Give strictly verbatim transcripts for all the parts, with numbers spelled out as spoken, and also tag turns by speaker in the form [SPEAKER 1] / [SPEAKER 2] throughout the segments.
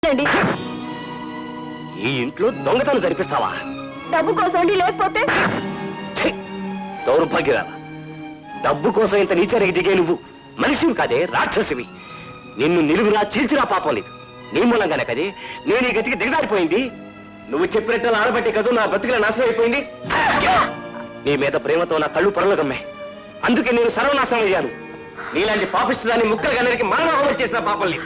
[SPEAKER 1] ఈ ఇంట్లో దొంగతనం జరిపిస్తావా?
[SPEAKER 2] డబ్బు కోసం లేకపోతే
[SPEAKER 1] దౌర్భాగ్యరా, డబ్బు కోసం ఇంత నీచరికి దిగే నువ్వు మనిషివి కాదే, రాక్షసివి. నిన్ను నిలువురా చీల్చిరా పాపం లేదు. నీ మూలంగానే కదే నేను ఈ గతికి దిగజారిపోయింది. నువ్వు చెప్పినట్టు ఆడబట్టే కదా నా బతుకుల నాశనం అయిపోయింది. నీ మీద ప్రేమతో నా కళ్ళు పొరలు గమ్మాయి. అందుకే నేను సర్వనాశనం అయ్యాను. నీలాంటి పాపిస్తుదాన్ని ముక్కలుగా నరికి మానవహం చేసిన పాపం లేదు.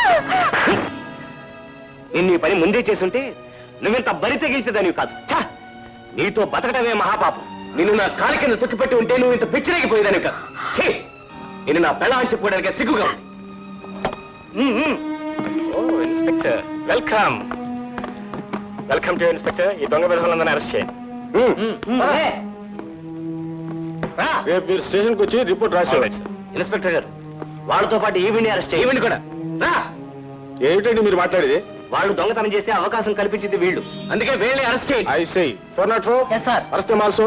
[SPEAKER 1] నిన్ను ఈ పని ముందే చేసుంటే నువ్వెంత బరి తెగించేదానివి కాదు. ఛా, నీతో బతకటమే మహాపాపం. నిన్ను నా కాలి కింద తొక్కిపెట్టి ఉంటే నువ్వు ఇంత పిచ్చిరేగిపోయేదానివి కాదు. ఛీ, నేను నా పెళ్ళాన్ని చెప్పుకోవడానికి సిగ్గుగా ఉంది. Oh inspector, welcome welcome to inspector. ఈ దొంగ విధానందరినీ అరెస్ట్ చేయండి.
[SPEAKER 3] రేపు మీరు స్టేషన్కి వచ్చి రిపోర్ట్ రాసేవాడు.
[SPEAKER 1] ఇన్స్పెక్టర్ గారు, వాళ్ళతో పాటు ఈవిని అరెస్ట్ చేయండి. ఈవిని కూడా రా.
[SPEAKER 3] ఏమిటండి మీరు మాట్లాడేది?
[SPEAKER 1] వాళ్ళు దొంగతనం చేస్తే అవకాశం కల్పించింది వీళ్ళు, అందుకే వీళ్ళని అరెస్ట్ చేయండి.
[SPEAKER 3] I say four not four arrest also.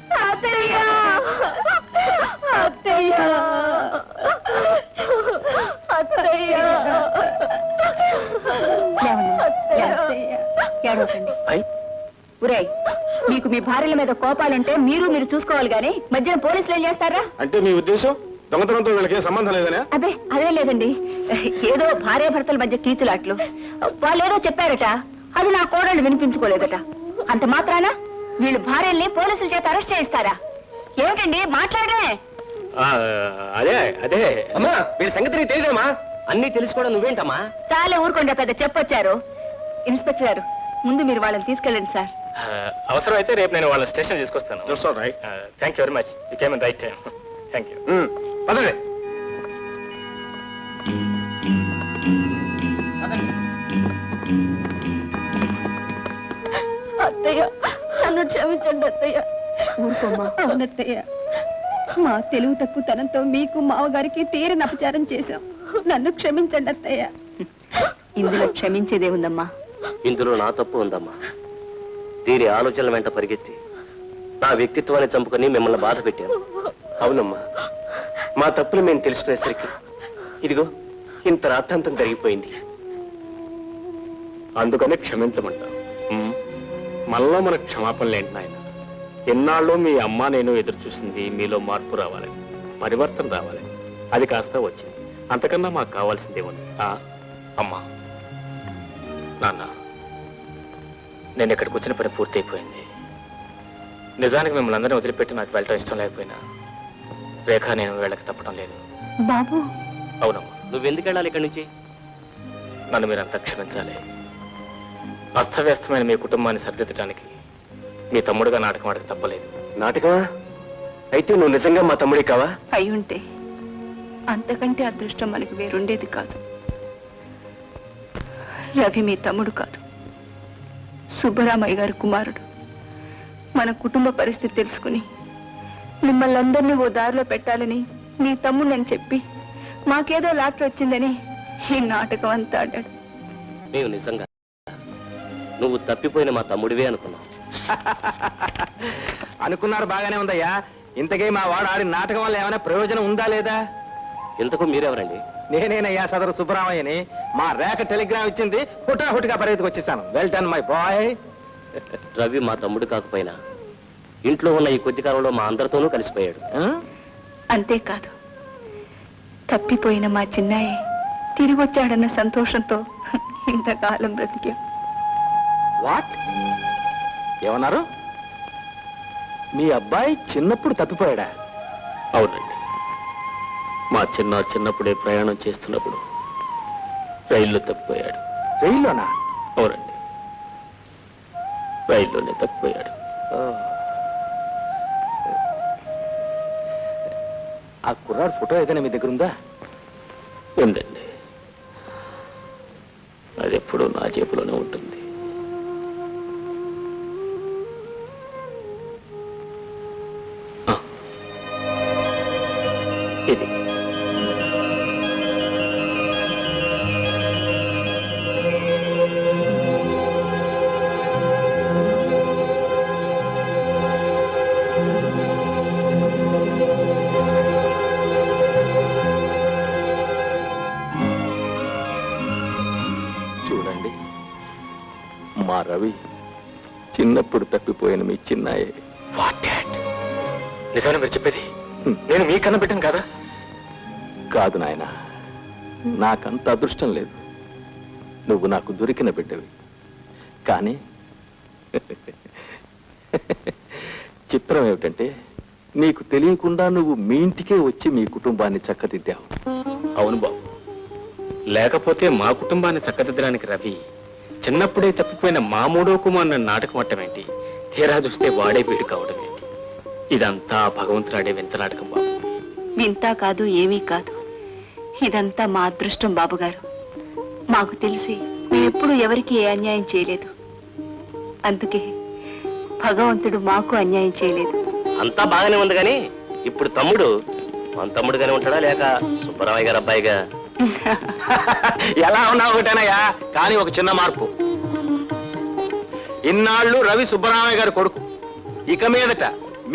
[SPEAKER 2] ఉరేయ్, మీకు మీ భార్యల మీద కోపాలుంటే మీరు మీరు చూసుకోవాలి గాని మధ్యన పోలీసులు ఏం చేస్తారా?
[SPEAKER 3] అంటే మీ ఉద్దేశం దొంగతనంతో వీళ్ళకి సంబంధం లేదనే?
[SPEAKER 2] అదే అదే లేదండి, ఏదో భార్య భర్తల మధ్య కీచులాట్లు. వాళ్ళు ఏదో చెప్పారట, అది నా కోడళ్ళు వినిపించుకోలేదట. అంత మాత్రాన వీళ్ళు భార్యల్ని పోలీసుల చేత అరెస్ట్ చేయిస్తారా? ఏమిటండి మాట్లాడమే?
[SPEAKER 1] అదే అదే అమ్మా, వీళ్ళ సంగతి నీకు తెలియదమ్మా. అన్ని తెలుసుకోవడం నువ్వేంటమ్మా?
[SPEAKER 2] చాలా ఊరుకోండి, పెద్ద చెప్పొచ్చారు. ఇన్స్పెక్టర్ గారు, ముందు మీరు వాళ్ళని తీసుకెళ్ళండి సార్.
[SPEAKER 1] అవసరం అయితే రేపు నేను వాళ్ళ స్టేషన్ తీసుకొస్తాను. Thank you very much, you came in right time. Thank you. పదండి.
[SPEAKER 2] అత్తయ్య, నన్ను క్షమించండి అత్తయ్య. ఊరుకోమ్మా. అవునత్తయ్య, మా తెలుగు తక్కువ తనంతో మీకు మావగారికి తీరని అపచారం చేశాం. నన్ను క్షమించండి అత్తయ్య. ఇందులో క్షమించేదే ఉందమ్మా.
[SPEAKER 1] ఇందులో నా తప్పు ఉందమ్మా. దీని ఆలోచనల వెంట పరిగెత్తి నా వ్యక్తిత్వాన్ని చంపుకొని మిమ్మల్ని బాధ పెట్టాను. అవునమ్మా, మా తప్పులు మేము తెలుసుకునేసరికి ఇదిగో ఇంత రాద్ధాంతం జరిగిపోయింది. అందుకనే క్షమించమంటాం. మళ్ళా మన క్షమాపణలు ఏంటి నాయన? ఎన్నాళ్ళు మీ అమ్మ నేను ఎదురు చూసింది మీలో మార్పు రావాలని, పరివర్తన రావాలని. అది కాస్త వచ్చింది. అంతకన్నా మాకు కావాల్సిందే ఉంది. అమ్మా, నాన్న, నేను ఇక్కడికి వచ్చిన పని పూర్తయిపోయింది. నిజానికి మిమ్మల్ని అందరినీ వదిలిపెట్టి నాకు వెళ్ళటం ఇష్టం లేకపోయినా రేఖ నేను వెళ్ళక తప్పడం లేదు.
[SPEAKER 2] బాబు.
[SPEAKER 1] అవునమ్మా. నువ్వెందుకు వెళ్ళాలి ఇక్కడి నుంచి? నన్ను మీరంతా క్షమించాలి. అస్తవ్యస్తమైన మీ కుటుంబాన్ని సరిదిద్దడానికి మీ తమ్ముడుగా నాటకం ఆడక తప్పలేదు. నాటకమా? అయితే నువ్వు నిజంగా మా తమ్ముడి కావా?
[SPEAKER 2] అయి ఉంటే అంతకంటే అదృష్టం మనకి వేరుండేది కాదు. రవి మీ తమ్ముడు కాదు, సుబ్బరామయ్య గారి కుమారుడు. మన కుటుంబ పరిస్థితి తెలుసుకుని మిమ్మల్ని అందరినీ ఓ దారిలో పెట్టాలని నీ తమ్ముడని చెప్పి మాకేదో లాటరీ వచ్చిందని ఈ నాటకం అంతా ఆడాడు.
[SPEAKER 1] నేను నిజంగా నువ్వు తప్పిపోయిన మా తమ్ముడివే అనుకున్నావు.
[SPEAKER 3] అనుకున్నారు, బాగానే ఉందయ్యా. ఇంతకీ మా వాడు ఆడిన నాటకం వల్ల ఏమైనా ప్రయోజనం ఉందా లేదా?
[SPEAKER 1] ఇంతకు మీరెవరండి?
[SPEAKER 3] నేనేనయ్యా, సదరు సుబ్బరామయ్యని. మా రేఖ టెలిగ్రామ్ ఇచ్చింది, హుటాహుటిగా పరిగెత్తుకు వచ్చేసాను. Well done my boy.
[SPEAKER 1] Ravi మా తమ్ముడు కాకపోయినా ఇంట్లో ఉన్న ఈ కొద్ది కాలంలో మా అందరితోనూ కలిసిపోయాడు.
[SPEAKER 2] అంతేకాదు, తప్పిపోయిన మా చిన్నాయి తిరిగి వచ్చాడన్న సంతోషంతో ఇంతకాలం బ్రతికా.
[SPEAKER 3] వాట్? ఏమన్నారు? మీ అబ్బాయి చిన్నప్పుడు తప్పిపోయాడా?
[SPEAKER 1] అవునండి. మా చిన్న చిన్నప్పుడే ప్రయాణం చేస్తున్నప్పుడు రైల్లో తప్పిపోయాడు.
[SPEAKER 3] రైల్లోనా?
[SPEAKER 1] అవునండి, రైల్లోనే తప్పిపోయాడు.
[SPEAKER 3] ఆ కుర్రాడు ఫోటో ఏదైనా మీ దగ్గర ఉందా?
[SPEAKER 1] ఉందండి, అది ఎప్పుడూ నా జేబులోనే ఉంటుంది. ఇది చూడండి,
[SPEAKER 3] చూడండి, మా రవి చిన్నప్పుడు తప్పిపోయిన మీ చిన్నాయే.
[SPEAKER 1] What dad? నిజాన్ని మీరు చెప్పేది? నేను మీ కన్న బిడ్డను కదా?
[SPEAKER 3] కాదు నాయన, నాకంత అదృష్టం లేదు. నువ్వు నాకు దొరికిన బిడ్డవి. కానీ చిత్రం ఏమిటంటే, నీకు తెలియకుండా నువ్వు మీ ఇంటికే వచ్చి మీ కుటుంబాన్ని చక్కదిద్దావు.
[SPEAKER 1] అవును బాబు, లేకపోతే మా కుటుంబాన్ని చక్కదిద్దడానికి రవి చిన్నప్పుడే తప్పిపోయిన మా మూడో కుమార్ నాటకం అట్టమేంటి, తీరా చూస్తే వాడే వీడు కావడం ఏంటి? ఇదంతా భగవంతుడాడే వింత నాటకం బాబు.
[SPEAKER 2] వింతా కాదు, ఏమీ కాదు. ఇదంతా మా అదృష్టం బాబుగారు. మాకు తెలిసి మేమెప్పుడు ఎవరికి ఏ అన్యాయం చేయలేదు. అందుకే భగవంతుడు మాకు అన్యాయం చేయలేదు.
[SPEAKER 1] అంతా బాగానే ఉంది కానీ ఇప్పుడు తమ్ముడు మన తమ్ముడుగానే ఉంటాడా లేక సుబ్బరామయ్య గారు అబ్బాయిగా?
[SPEAKER 3] ఎలా ఉన్నావు ఒకటేనయ్యా, కానీ ఒక చిన్న మార్పు. ఇన్నాళ్ళు రవి సుబ్బరామయ్య గారి కొడుకు, ఇక మీదట